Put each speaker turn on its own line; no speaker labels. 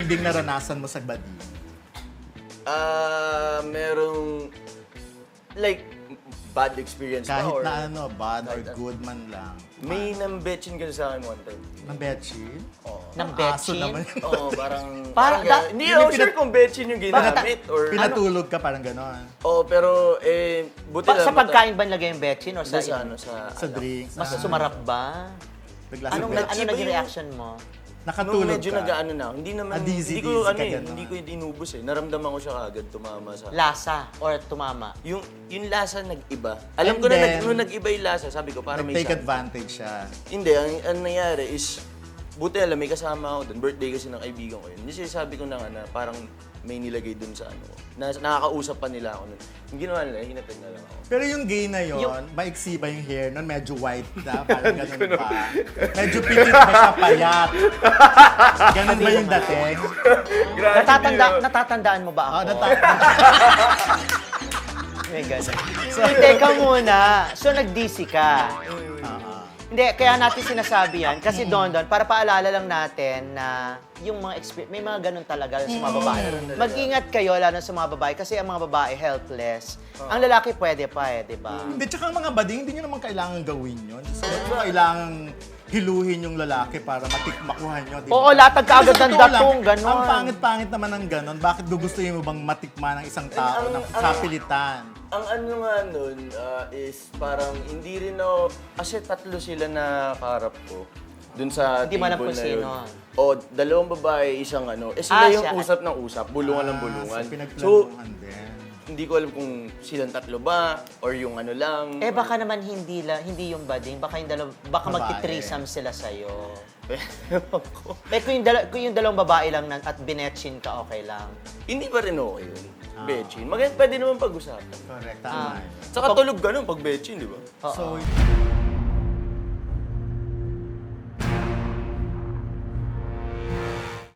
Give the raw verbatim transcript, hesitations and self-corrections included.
matinding naranasan mo sa bading?
Ah, merong, like, bad experience ba?
Kahit
Or
na ano, bad or
kahit ano.
good man lang.
may nambetchin kasi sa akin one time.
Ng betchin?
Oo.
Ng
Aso
betchin?
naman.
Oo, parang...
Parang
parang
da-
hindi
Yung
ako
pinat-
sure kung betchin yung ginamit or...
Pinatulog ka parang gano'n.
Oo, pero eh, buti
Pa- sa
lang.
pagkain ba nilagay yung betchin o
Sa,
sa,
sa ano, sa...
Sa drinks.
Mas
ah,
sumarap ba?
Bigla
Anong,
sa
ano
Iba
naging
yung-
reaction mo?
Nung
Nakatulog
medyo
ka.
nag-ano na, hindi naman,
Ah, dizzy,
hindi ko,
dizzy
ano
ka
eh,
ganon.
hindi ko inubos eh. Naramdaman ko siya kaagad, tumama sa...
Lasa or tumama?
Yung, yung lasa nag-iba. Alam
And
ko na,
then,
nag, nung nag-iba yung lasa, sabi ko, parang may
Nag-take
something.
advantage siya.
Hindi, ang, ang nangyari is, buti alam, may kasama ako doon. Birthday kasi ng kaibigan ko yun. Hindi sabi ko na nga na parang may nilagay doon sa ano. Na, nakakausap pa nila ako nun. Yung ginawa nila, hinatid na lang ako.
Pero yung gay na yon,
Yung-
maiksi ba yung hair nun? Medyo white na, parang ganun ba? Medyo pitit ba siya payat? Ganun ba yung dating?
Natatanda, natatandaan mo ba ako?
Oh, nata-
May ganun. So, teka muna. So, nag-D C ka. Hindi, kaya natin sinasabi yan. Kasi doon doon, para paalala lang natin na yung mga experience, may mga ganun talaga sa mga babae. Mag-ingat kayo, lalo sa mga babae, kasi ang mga babae helpless. Ang lalaki pwede pa eh, di ba?
Hindi, tsaka ang mga bading, hindi nyo naman kailangan gawin yun. So, hindi mo kailangan hiluhin yung lalaki para matikmakuhan nyo. di ba?
Oo, latag ka agad
Kasi sa
ng
totoo lang,
datong, ganon.
Ang pangit-pangit naman ng ganon. Bakit gugustuhin mo bang matikman ng isang tao
Ang-
ng
ang-
kapilitan?
Ang ano nga nun ah, is parang hindi rin ako, kasi tatlo sila na kaharap ko. Dun sa
Hindi mo alam
table
kung
na
sino.
yun. O, dalawang babae, isang ano. Eh
Ah,
sila yung
siya.
usap ng usap, bulungan ng
Ah,
bulungan.
So,
So,
pinagplanuhan din.
hindi ko alam kung silang tatlo ba, or yung ano lang.
Eh
or-
baka naman hindi la, hindi yung bading, baka yung dalaw, baka
Babae.
magti-threesome sila sa'yo.
Ewan ko.
Eh kung yung, dala, kung yung dalawang babae lang na, at binetchin ka, okay lang.
Hindi pa rin okay yun. Betchin. Maganda, pwede naman pag-usapan.
Correct,
Ah.
tama. yun.
Saka tulog ka nun pag betchin, di ba?
Oo.
So,